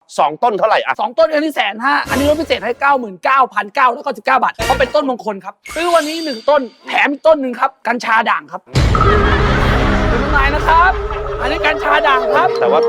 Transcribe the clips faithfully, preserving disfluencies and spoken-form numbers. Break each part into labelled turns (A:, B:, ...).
A: สองต้นเท่าไหร่อ่ะ
B: สองต้นอันนี้แสนห้าอันนี้ลดพิเศษให้เก้าหมื่นเก้าพันเก้าร้อยเก้าสิบเก้าบาทเพราะเป็นต้นมงคลครับซื้อวันนี้หนึ่งต้นแถมอีกต้นหนึ่งครับกัญชาด่างครับเป็นยังไงนะครับ อันนี้กัญชาด่างครับ
A: แต่ว่า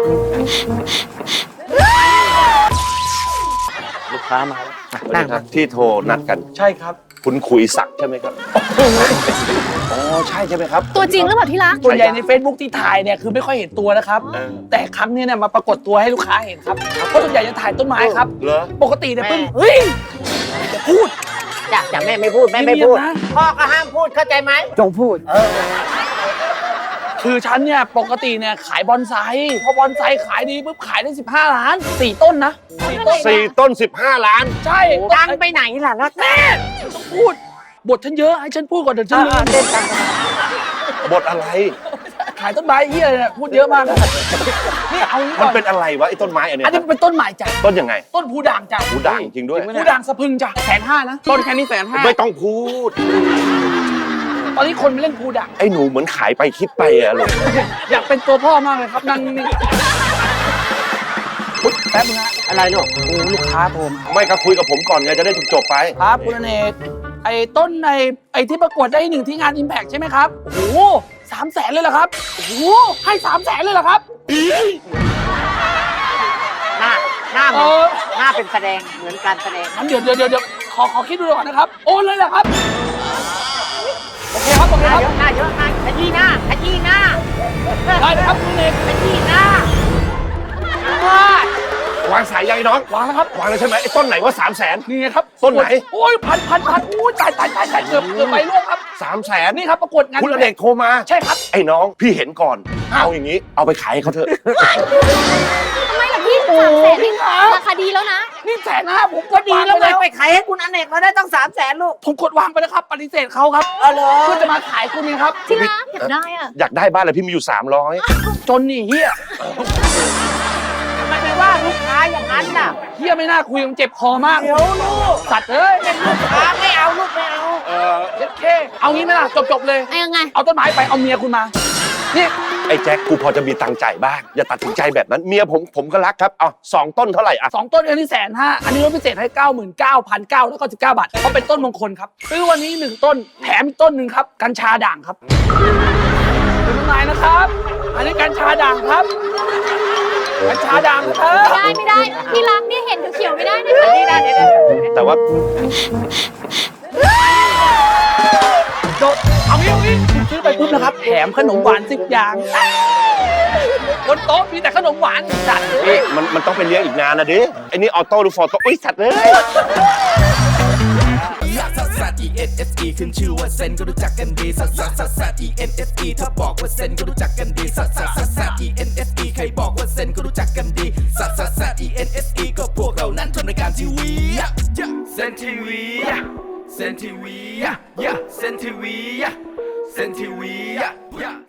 B: ลูกค้ามาแล้ว
A: นั่งครับที่โทรนัดกัน
B: ใช่ครับ
A: คุณขุยศักดิ์ใช่ไหมครับอ๋อใช่ใช่ไหมครับ
C: ตัวจริงหรือเปล่าที่รัก
B: ส่วนใหญ่ใน Facebook ที่ถ่ายเนี่ยคือไม่ค่อยเห็นตัวนะครับ
A: เออ
B: แต่ครั้งนี้เนี่ยมาปรากฏตัวให้ลูกค้าเห็นครับเพราะส่วนใหญ่จะถ่ายต้นไม้ครับ
A: เหรอ
B: ปกติเนี่ยเพิ่งเฮ้ยอย่าพูด
D: จ้ะจ้ะแม่ไม่พูดแม่ไม่พูด
B: เงียบๆนะ
D: พ่อก็ห้ามพูดเข้าใจไหม
B: จงพูดคือฉันเนี่ยปกติเนี่ยขายบอนไซพอบอนไซขายดีปุ๊บขายได้สิบห้าล้านสี่ต้นนะสี่ต้น
A: สี่ต้นสิบห้าล้าน
B: ใช่
D: ดังไปไหนล่ะรัก
B: แม่ต้องพูดบทฉันเยอะให้ฉันพูดก่อนเดี๋ยวฉันลืม
D: เต้นกัน
A: บทอะไร
B: ขายต้นไม้เหี้ยเนี่ยพูดเยอะมากนี่เอางี้
A: มั
B: ก่
A: น
B: อน
A: เป็นอะไรวะไอ้ต้นไม้อันเนี้ย
B: อันนี้เป็นต้นใหม่จ้ะ
A: ต้นยังไง
B: ต้นผูด่างจ้ะ
A: หูด่างจริงด้วย
B: ผูด่างสะพรึงจ้ะแสนห้านะต้นแค่นี้แสนห้า
A: ไม่ต้องพูด
B: ตอนนี้คนมาเล่นผูด่าง
A: ไอ้หนูเหมือนขายไปคิดไปอะลูก
B: อยากเป็นตัวพ่อมากเลยครับนั่งนี่ปุ๊บแป๊บนึงนะ
D: อะไรลูก
B: โอ้ลูกค้าโทรมา
A: ไม่ก็คุยกับผมก่อนไงจะได้จบๆไป
B: ครับคุณอเนกไอ้ต้นในไอ้ที่ประกวดได้หนึ่งที่งาน Impact ใช่ไหมครับโอ้โหสามแสนเลยเหรอครับโอ้โหให้สามแสนเลยเหรอครับ
D: หน้าหน้าเห
B: เอ
D: มือน
B: อ
D: หน้าเป็นแสดงเหมือนการแสดง
B: งั้นเดี๋ยวเดี๋ยวเดี๋ยวเดี๋ยวขอขอคิดดูก่อนนะครับโอนเลยเหรอครับโอเคครับโอเค
D: หน้า
B: ครับ
D: เยอะหน้าเยอะหน้าขยี้หน้าขยี้หน้า
B: ได้เลยครับคุณอเนก
D: ขยี้หน้า
A: วางสายใยน้อง
B: วางแล้วครับ
A: วางเลยใช่ไหมไอ้ต้นไหนว่าสามแสน
B: นี่ไงครับ
A: ต้นไหน
B: โอ้ยพันพันพันโอ้ยตายตายตายตายเกือบเกือบไปร่วงครับ
A: สามแสน
B: นี่ครับประกวดงาน
A: คุณอเนกโทรมา
B: ใช่ครับ
A: ไอ้น้องพี่เห็นก่อน เอาอย่างนี้เอาไปขายให้เขาเถอะ
C: ทำไมล่ะพี่
B: โอ้
C: สามแสน
B: พี่ครับ
C: ราคาดีแล้วนะ
B: นี่แสนห้าผมก็ดี
D: ดี
B: แล้
D: แล้ว ว
B: ไง
D: ไงไปขายให้คุณอเนกเราได้ต้องสามแสนลูก
B: ผมกดวางไปแล้วครับปฏิเสธเขาครับ
D: เออเหรอ
B: เพื่อจะมาขายคุณนี่ครับ
C: ที่รักอยากได้อ่ะ
A: อยากได้บ้านเลยพี่มีอยู่สามร้อย
B: จนนี่เฮีย
D: ทำไมไปว่าลูกค้าอย่างนั้นน่ะ
B: เฮียไม่น่าคุยมันเจ็บคอมาก
D: เดี๋ยวลูก
B: สัตว์เอ้ย
D: ลูกค้าไม่เอาลูกไม่เอา
A: เออ
B: เจ็ดเคเอางี้ไหมล่ะจบจบๆเลย
C: ไอ้ยังไง
B: เอาต้นไม้ไปเอาเมียคุณมา นี่
A: ไอ้แจ็คกูพอจะมีตังค์จ่ายบ้างอย่าตัดสินใจแบบนั้นเมียผมผมก็รักครับเอาสองต้นเท่าไหร่อ่ะ
B: สองต้นอันนี้แสนห้าอันนี้ลดพิเศษให้เก้าหมื่นเก้าพันเก้าร้อยเก้าสิบเก้าบาทเพราะเป็นต้นมงคลครับซื้อวันนี้หนึ่งต้นแถมอีกต้นหนึ่งครับกัญชาด่างครับเป็นยังไงนะครับ อันนี้กัญชาด่างครับกัญชาด่างครับ
C: ไม่ได้ไม่ได้ที่รักเนี่ยเห็นเขียวๆไม่ได้นะคะ
D: นี่นะเดี๋ยวเดี๋ยว
A: แต่ว่า
B: โดดเอางี้เอางี้คุณซื้อไปปุ๊บนะครับแถมขนมหวานสิบอย่างบนโต๊ะมีแต่ขนมหวานจัด
A: เอ๊ะมันมันต้องไปเลี้ยงอีกนานนะดิไอ้นี่ออโต้หรือฟอร์โต้อุ้ยสัตว์เลย
E: ลักซัสซัส E N S E ขึ้นชื่อว่าเซนก็รู้จักกันดีซัสซัสซัสซัส E N S E ถ้าบอกว่าเซนก็รู้จักกันดีซัสซัสซัสซัส E N S E ใครบอกว่าเซนก็รู้จักกันดีซัสซัสซัส E N S E ก็พวกเรานั้นทำรายการทีวีเซนทีวีเซนทีวีเซนทีวีเซนทีวี